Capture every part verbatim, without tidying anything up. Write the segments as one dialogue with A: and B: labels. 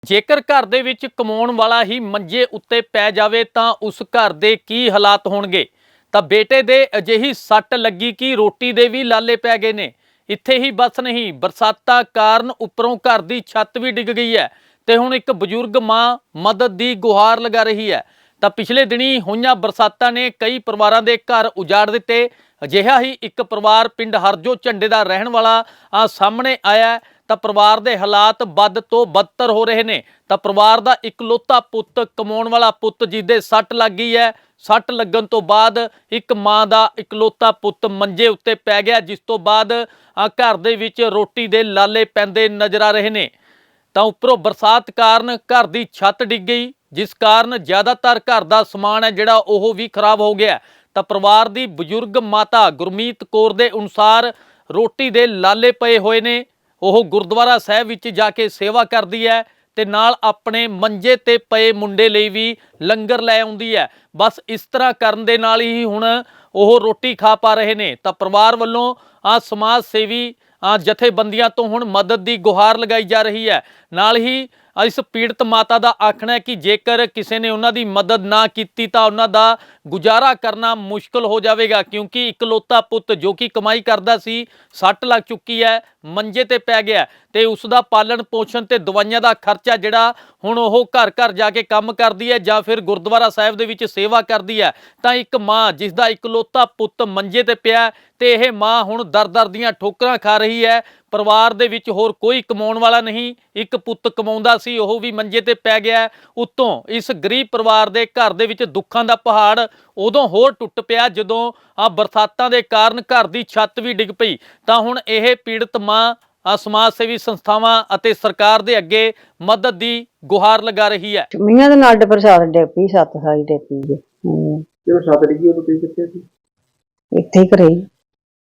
A: ਜੇਕਰ ਘਰ ਦੇ ਵਿੱਚ ਕਮਾਉਣ ਵਾਲਾ ਹੀ ਮੰਜੇ ਉੱਤੇ ਪੈ ਜਾਵੇ ਤਾਂ ਉਸ ਘਰ ਦੇ ਕੀ ਹਾਲਾਤ ਹੋਣਗੇ। ਤਾਂ ਬੇਟੇ ਦੇ ਅਜਿਹੀ ਸੱਟ ਲੱਗੀ ਕਿ ਰੋਟੀ ਦੇ ਵੀ ਲਾਲੇ ਪੈ ਗਏ ਨੇ। ਇੱਥੇ ਹੀ ਬਸ ਨਹੀਂ, ਬਰਸਾਤਾਂ ਕਾਰਨ ਉੱਪਰੋਂ ਘਰ ਦੀ ਛੱਤ ਵੀ ਡਿੱਗ ਗਈ ਹੈ ਤੇ ਹੁਣ ਇੱਕ ਬਜ਼ੁਰਗ ਮਾਂ ਮਦਦ ਦੀ ਗੁਹਾਰ ਲਗਾ ਰਹੀ ਹੈ। ਤਾਂ ਪਿਛਲੇ ਦਿਨੀ ਹੋਈਆਂ ਬਰਸਾਤਾਂ ਨੇ ਕਈ ਪਰਿਵਾਰਾਂ ਦੇ ਘਰ ਉਜਾੜ ਦਿੱਤੇ। ਅਜਿਹਾ ਹੀ ਇੱਕ ਪਰਿਵਾਰ ਪਿੰਡ ਹਰਜੋ ਝੰਡੇ ਦਾ ਰਹਿਣ ਵਾਲਾ ਆ ਸਾਹਮਣੇ ਆਇਆ। ਤਾਂ ਪਰਿਵਾਰ ਦੇ ਹਾਲਾਤ ਵੱਧ ਤੋਂ ਬਦਤਰ ਹੋ ਰਹੇ ਨੇ। ਤਾਂ ਪਰਿਵਾਰ ਦਾ ਇਕਲੌਤਾ ਪੁੱਤ, ਕਮਾਉਣ ਵਾਲਾ ਪੁੱਤ ਜਿਹਦੇ ਸੱਟ ਲੱਗ ਗਈ ਹੈ। ਸੱਟ ਲੱਗਣ ਤੋਂ ਬਾਅਦ ਇੱਕ ਮਾਂ ਦਾ ਇਕਲੌਤਾ ਪੁੱਤ ਮੰਜੇ ਉੱਤੇ ਪੈ ਗਿਆ, ਜਿਸ ਤੋਂ ਬਾਅਦ ਆ ਘਰ ਦੇ ਵਿੱਚ ਰੋਟੀ ਦੇ ਲਾਲੇ ਪੈਂਦੇ ਨਜ਼ਰ ਆ ਰਹੇ ਨੇ। ਤਾਂ ਉੱਪਰੋਂ ਬਰਸਾਤ ਕਾਰਨ ਘਰ ਦੀ ਛੱਤ ਡਿੱਗ ਗਈ, ਜਿਸ ਕਾਰਨ ਜ਼ਿਆਦਾਤਰ ਘਰ ਦਾ ਸਮਾਨ ਹੈ ਜਿਹੜਾ ਉਹ ਵੀ ਖਰਾਬ ਹੋ ਗਿਆ। ਤਾਂ ਪਰਿਵਾਰ ਦੀ ਬਜ਼ੁਰਗ ਮਾਤਾ ਗੁਰਮੀਤ ਕੌਰ ਦੇ ਅਨੁਸਾਰ ਰੋਟੀ ਦੇ ਲਾਲੇ ਪਏ ਹੋਏ ਨੇ। ਉਹ ਗੁਰਦੁਆਰਾ ਸਾਹਿਬ ਵਿੱਚ ਜਾ ਕੇ ਸੇਵਾ ਕਰਦੀ ਹੈ ਤੇ ਨਾਲ ਆਪਣੇ ਮੰਜੇ ਤੇ ਪਏ ਮੁੰਡੇ ਲਈ ਵੀ ਲੰਗਰ ਲੈ ਆਉਂਦੀ ਹੈ। ਬਸ ਇਸ ਤਰ੍ਹਾਂ ਕਰਨ ਦੇ ਨਾਲ ਹੀ ਹੁਣ ਉਹ ਰੋਟੀ ਖਾ ਪਾ ਰਹੇ ਨੇ। ਤਾਂ ਪਰਿਵਾਰ ਵੱਲੋਂ ਆ ਸਮਾਜ ਸੇਵੀ ਆ ਜਥੇਬੰਦੀਆਂ ਤੋਂ ਹੁਣ ਮਦਦ ਦੀ ਗੁਹਾਰ ਲਗਾਈ ਜਾ ਰਹੀ ਹੈ। ਨਾਲ ਹੀ ਇਸ ਪੀੜਤ ਮਾਤਾ ਦਾ ਆਖਣਾ ਹੈ ਕਿ ਜੇਕਰ ਕਿਸੇ ਨੇ ਉਹਨਾਂ ਦੀ ਮਦਦ ਨਾ ਕੀਤੀ ਤਾਂ ਉਹਨਾਂ ਦਾ ਗੁਜ਼ਾਰਾ ਕਰਨਾ ਮੁਸ਼ਕਲ ਹੋ ਜਾਵੇਗਾ, ਕਿਉਂਕਿ ਇਕਲੌਤਾ ਪੁੱਤ ਜੋ ਕਿ ਕਮਾਈ ਕਰਦਾ ਸੀ, ਸੱਟ ਲੱਗ ਚੁੱਕੀ ਹੈ, ਮੰਜੇ ਤੇ ਪੈ ਗਿਆ ਤੇ ਉਸ ਦਾ ਪਾਲਣ ਪੋਸ਼ਣ ਤੇ ਦਵਾਈਆਂ ਦਾ ਖਰਚਾ ਜਿਹੜਾ ਹੁਣ ਉਹ ਘਰ ਘਰ ਜਾ ਕੇ ਕੰਮ ਕਰਦੀ ਹੈ ਜਾਂ ਫਿਰ ਗੁਰਦੁਆਰਾ ਸਾਹਿਬ ਦੇ ਵਿੱਚ ਸੇਵਾ ਕਰਦੀ ਹੈ। ਤਾਂ ਇੱਕ ਮਾਂ ਜਿਸ ਦਾ ਇਕਲੌਤਾ ਪੁੱਤ ਮੰਜੇ ਤੇ ਪਿਆ ਤੇ ਇਹ ਮਾਂ ਹੁਣ ਦਰ ਦਰ ਦੀਆਂ ਠੋਕਰਾਂ ਖਾ ਰਹੀ ਹੈ। ਪਰਿਵਾਰ ਦੇ ਵਿੱਚ ਹੋਰ ਕੋਈ ਕਮਾਉਣ ਵਾਲਾ ਨਹੀਂ, ਇੱਕ ਪੁੱਤ ਕਮਾਉਂਦਾ ਸੀ, ਉਹ ਵੀ ਮੰਜੇ ਤੇ ਪੈ ਗਿਆ। ਉੱਤੋਂ ਇਸ ਗਰੀਬ ਪਰਿਵਾਰ ਦੇ ਘਰ ਦੇ ਵਿੱਚ ਦੁੱਖਾਂ ਦਾ ਪਹਾੜ ਉਦੋਂ ਹੋਰ ਟੁੱਟ ਪਿਆ ਜਦੋਂ ਆ ਬਰਸਾਤਾਂ ਦੇ ਕਾਰਨ ਘਰ ਦੀ ਛੱਤ ਵੀ ਡਿੱਗ ਪਈ। ਤਾਂ ਹੁਣ ਇਹ ਪੀੜਤ ਮਾਂ ਆ ਸਮਾਜ ਸੇਵੀ ਸੰਸਥਾਵਾਂ ਅਤੇ ਸਰਕਾਰ ਦੇ ਅੱਗੇ ਮਦਦ ਦੀ ਗੁਹਾਰ ਲਗਾ ਰਹੀ ਹੈ।
B: ਮੀਆਂ ਦੇ ਨਾਲ ਪ੍ਰਸ਼ਾਦ ਡੇਪੀ ਸੱਤ ਸਾਈ ਡੇਪੀ ਜੇ
C: ਜਦੋਂ ਛੱਤ ਡਿੱਗੀ ਉਦੋਂ ਤੁਸੀਂ ਕਿੱਥੇ ਸੀ?
B: ਇੱਥੇ ਹੀ ਘਰੇ ਹੀ।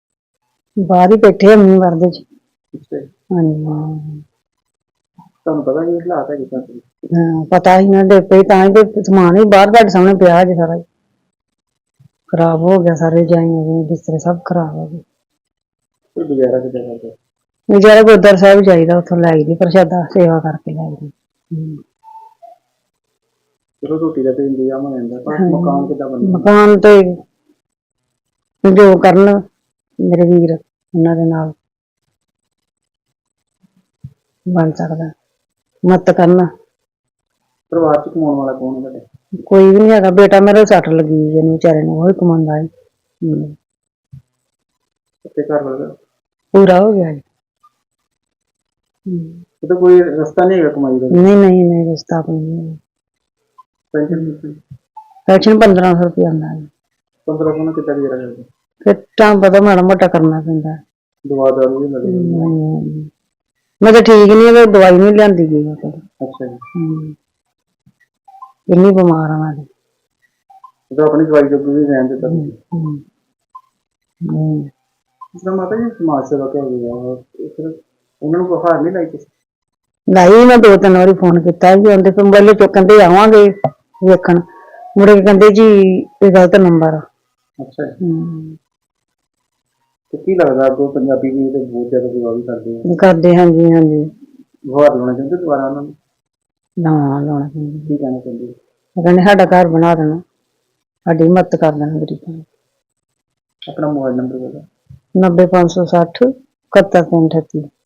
B: ਬਾਹਰ ਹੀ ਬੈਠੇ ਆ ਮੀਂਹ ਵਰਦੇ ਚ।
C: ਅੱਛਾ ਜੀ।
B: ਹਾਂਜੀ
C: ਤੁਹਾਨੂੰ ਪਤਾ ਨਹੀਂ ਹਾਲਾਤ ਹੈ ਕਿੱਦਾਂ ਸੀ?
B: ਹਾਂ, ਪਤਾ ਹੀ ਨਾ ਡੇਪੇ ਤਾਂ ਹੀ ਤੇ ਸਮਾਨ ਵੀ ਬਾਹਰ ਤੁਹਾਡੇ ਸਾਹਮਣੇ ਪਿਆ ਜੇ ਸਾਰਾ ਹੀ ਖਰਾਬ ਹੋ ਗਿਆ। ਸਾਰੇ ਜਾਈਆਂ ਬਿਸਤਰੇ ਸਭ ਖਰਾਬ ਹੋ ਗਏ।
C: ਕੋਈ ਗੁਜ਼ਾਰਾ ਕਿੱਦਾਂ ਕਰਦੇ?
B: ਗੁਜ਼ਾਰਾ ਗੁਰਦੁਆਰਾ ਸਾਹਿਬ ਜਾਈਦਾ, ਉੱਥੋਂ ਲੈ ਆਈਦੀ ਪ੍ਰਸ਼ਾਦਾ ਸੇਵਾ ਕਰਕੇ ਲੈ ਆਈਦੀ।
C: ਚਲੋ ਰੋਟੀ ਦਾ ਤੇ ਇੰਤਜ਼ਾਮ ਹੋ ਜਾਂਦਾ, ਪਰ ਮਕਾਨ ਕਿੱਦਾਂ ਬਣਦਾ?
B: ਮਕਾਨ ਤੇ ਜੋ ਕਰਨ ਮੇਰੇ ਵੀਰ ਉਹਨਾਂ ਦੇ ਨਾਲ ਬਣ ਸਕਦਾ, ਮਦਦ ਕਰਨ।
C: ਪਰਿਵਾਰ ਚ ਕਮਾਉਣ ਵਾਲਾ ਕੌਣ ਹੈ ਤੁਹਾਡੇ?
B: ਕੋਈ ਵੀ ਨਹੀਂ ਹੈਗਾ। ਬੇਟਾ ਮੇਰਾ ਸੱਟ ਲੱਗੀ ਜਿਹਨੂੰ ਵਿਚਾਰੇ ਨੂੰ, ਉਹ ਹੀ ਕਮਾਉਂਦਾ ਹੈ।
C: ਤੇ ਘਰ ਵਾਲਾ
B: ਪੂਰਾ ਹੋ ਗਿਆ ਜੀ।
C: ਉਹਦਾ ਕੋਈ ਰਸਤਾ ਨਹੀਂ ਹੈਗਾ ਕਮਾਈ ਦਾ?
B: ਨਹੀਂ ਨਹੀਂ ਨਹੀਂ ਰਸਤਾ ਕੋਈ ਨਹੀਂ।
C: ਪੈਨਸ਼ਨ
B: ਪੈਨਸ਼ਨ ਪੰਦਰਾਂ ਸੌ ਰੁਪਇਆ ਆਉਂਦਾ ਹੈ।
C: ਪੰਦਰਾਂ ਸੌ ਨਾਲ ਕਿੱਦਾਂ ਗੁਜ਼ਾਰਾ ਕਰਦੇ?
B: ਫਿਰ ਤਾਂ ਪਤਾ ਮਾੜਾ ਮੋਟਾ ਕਰਨਾ ਪੈਂਦਾ।
C: ਦਵਾ ਦਾਰੂ ਵੀ ਲੱਗਦੀ?
B: ਮੈਂ ਤਾਂ ਠੀਕ ਨਹੀਂ ਹੈ, ਦਵਾਈ ਨਹੀਂ ਲਿਆਂਦੀ ਗਈ ਮੈਂ ਕਦੇ।
C: ਅੱਛਾ ਜੀ।
B: ਇੰਨੀ ਬਿਮਾਰ ਆ ਮੈਂ।
C: ਉਹਦਾ ਆਪਣੀ ਦਵਾਈ ਜੋਗੀ ਵੀ ਰਹਿਣ ਦਿੱਤਾ? ਇਸ ਤਰ੍ਹਾਂ ਮਾਤਾ ਜੀ ਸਮਾਜ ਸੇਵਾ ਕਿਹੋ ਜਿਹੀ ਆ, ਫਿਰ ਉਹਨਾਂ ਨੂੰ ਗੁਹਾਰ ਨਹੀਂ ਲਾਈ ਤੁਸੀਂ?
B: ਲਾਈ ਮੈਂ ਦੋ ਤਿੰਨ ਵਾਰੀ ਫੋਨ ਕੀਤਾ ਜੀ, ਉਹਦੇ ਤੋਂ ਪਹਿਲੇ ਚੁੱਕਣ ਤੇ ਆਵਾਂਗੇ ਵੇਖਣ, ਮੁੜ ਕੇ ਕਹਿੰਦੇ ਜੀ ਇਹ ਗਲਤ ਨੰਬਰ ਆ।
C: ਅੱਛਾ ਜੀ। ਤੇ ਕੀ ਲੱਗਦਾ ਅੱਗੋਂ ਪੰਜਾਬੀ ਵੀ ਤੇ ਬਹੁਤ ਜ਼ਿਆਦਾ ਸੇਵਾ ਵੀ ਕਰਦੇ ਆ?
B: ਕਰਦੇ ਹਾਂਜੀ ਹਾਂਜੀ।
C: ਗੁਹਾਰ ਲਾਉਣਾ ਚਾਹੁੰਦੇ ਦੁਬਾਰਾ ਉਹਨਾਂ ਨੂੰ?
B: ਨਾ ਲਾਉਣਾ ਚਾਹੀਦਾ।
C: ਕੀ ਕਹਿਣਾ ਚਾਹੁੰਦੇ?
B: ਕਹਿੰਦੇ ਸਾਡਾ ਘਰ ਬਣਾ ਦੇਣਾ, ਸਾਡੀ ਮਦਦ ਕਰ ਦੇਣਾ ਗਰੀਬਾਂ ਦੀ।
C: ਆਪਣਾ ਮੋਬਾਈਲ ਨੰਬਰ ਬੋਲੋ।
B: ਨੱਬੇ ਪੰਜ ਸੌ ਸੱਠ ਇਕਹੱਤਰ ਤਿੰਨ ਅਠੱਤੀ।